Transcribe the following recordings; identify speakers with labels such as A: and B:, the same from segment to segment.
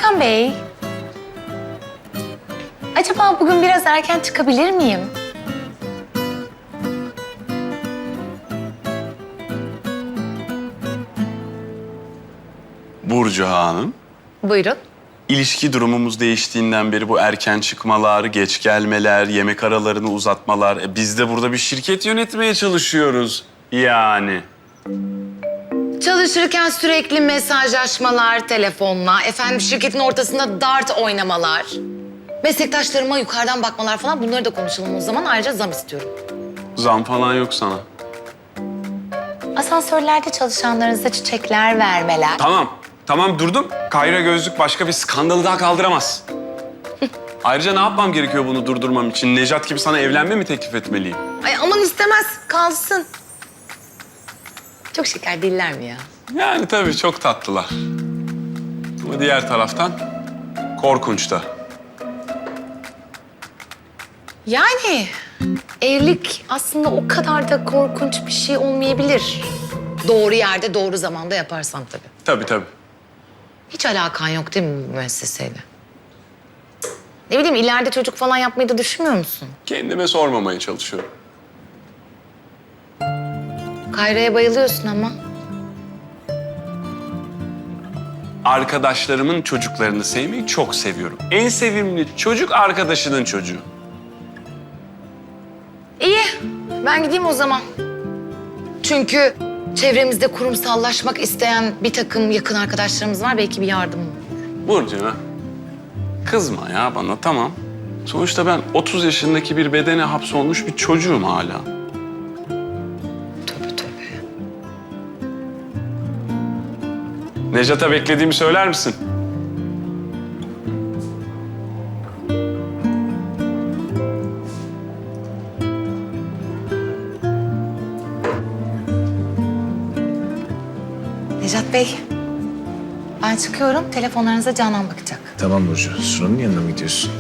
A: Serkan Bey, acaba bugün biraz erken çıkabilir miyim?
B: Burcu Hanım,
A: Buyurun.
B: ilişki durumumuz değiştiğinden beri bu erken çıkmalar, geç gelmeler, yemek aralarını uzatmalar... biz de burada bir şirket yönetmeye çalışıyoruz yani.
A: Çalışırken sürekli mesajlaşmalar telefonla, efendim şirketin ortasında dart oynamalar, meslektaşlarıma yukarıdan bakmalar falan, bunları da konuşalım o zaman. Ayrıca zam istiyorum.
B: Zam falan yok sana.
A: Asansörlerde çalışanlarınıza çiçekler vermeler.
B: Tamam durdum. Kayra gözlük başka bir skandalı daha kaldıramaz. Ayrıca ne yapmam gerekiyor bunu durdurmam için? Nejat gibi sana evlenme mi teklif etmeliyim?
A: Ay aman istemez, kalsın. Çok şeker değiller mi ya?
B: Yani tabii çok tatlılar. Ama diğer taraftan korkunç da.
A: Yani evlilik aslında o kadar da korkunç bir şey olmayabilir. Doğru yerde, doğru zamanda yaparsan tabii.
B: Tabii.
A: Hiç alakan yok değil mi bu müesseseyle? Ne bileyim, ileride çocuk falan yapmayı da düşünmüyor musun?
B: Kendime sormamaya çalışıyorum.
A: Kayra'ya bayılıyorsun ama.
B: Arkadaşlarımın çocuklarını sevmeyi çok seviyorum. En sevimli çocuk arkadaşının çocuğu.
A: İyi, ben gideyim o zaman. Çünkü çevremizde kurumsallaşmak isteyen bir takım yakın arkadaşlarımız var. Belki bir yardım olur.
B: Burcu, kızma ya bana, tamam. Sonuçta ben 30 yaşındaki bir bedene hapsolmuş bir çocuğum hala.
A: Tövbe.
B: Nejat'a beklediğimi söyler misin?
A: Nejat Bey, ben çıkıyorum. Telefonlarınıza Canan bakacak.
C: Tamam Burcu. Sunan'ın yanına mı gidiyorsun?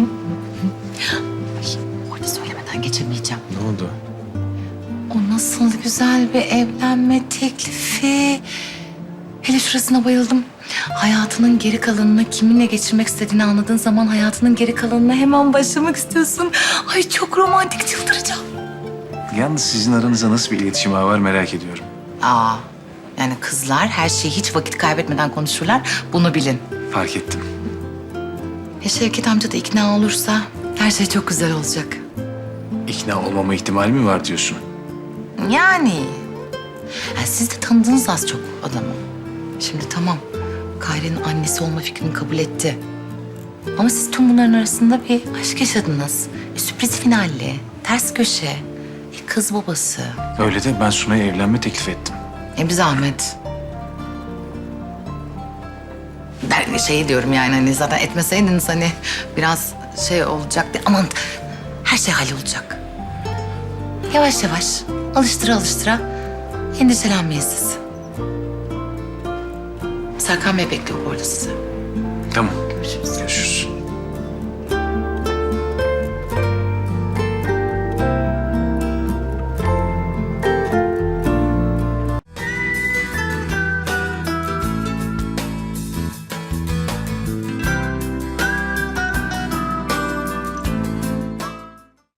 A: Orada söylemeden geçemeyeceğim.
C: Ne oldu?
A: O nasıl güzel bir evlenme teklifi. Hele şurasına bayıldım. Hayatının geri kalanını kiminle geçirmek istediğini anladığın zaman hayatının geri kalanına hemen başlamak istiyorsun. Ay çok romantik, çıldıracağım.
C: Yalnız sizin aranızda nasıl bir iletişim ağı var merak ediyorum.
A: Yani kızlar her şeyi hiç vakit kaybetmeden konuşurlar. Bunu bilin.
C: Fark ettim.
A: Şevket amca da ikna olursa her şey çok güzel olacak.
C: İkna olmama ihtimali mi var diyorsun?
A: Yani. Siz de tanıdınız az çok adamı. Şimdi tamam, Kayra'nın annesi olma fikrini kabul etti. Ama siz tüm bunların arasında bir aşk yaşadınız. Sürpriz finalli, ters köşe, kız babası.
C: Öyle de ben Sunay'a evlenme teklif ettim.
A: Bir zahmet. Ben şey diyorum yani, hani zaten etmeseydiniz hani biraz şey olacaktı. Aman, her şey hallolacak. Yavaş yavaş, alıştıra endişelenmeyin siz. Serkan Bey bekliyor bu arada sizi.
C: Tamam.
A: Görüşürüz.
C: Görüşürüz.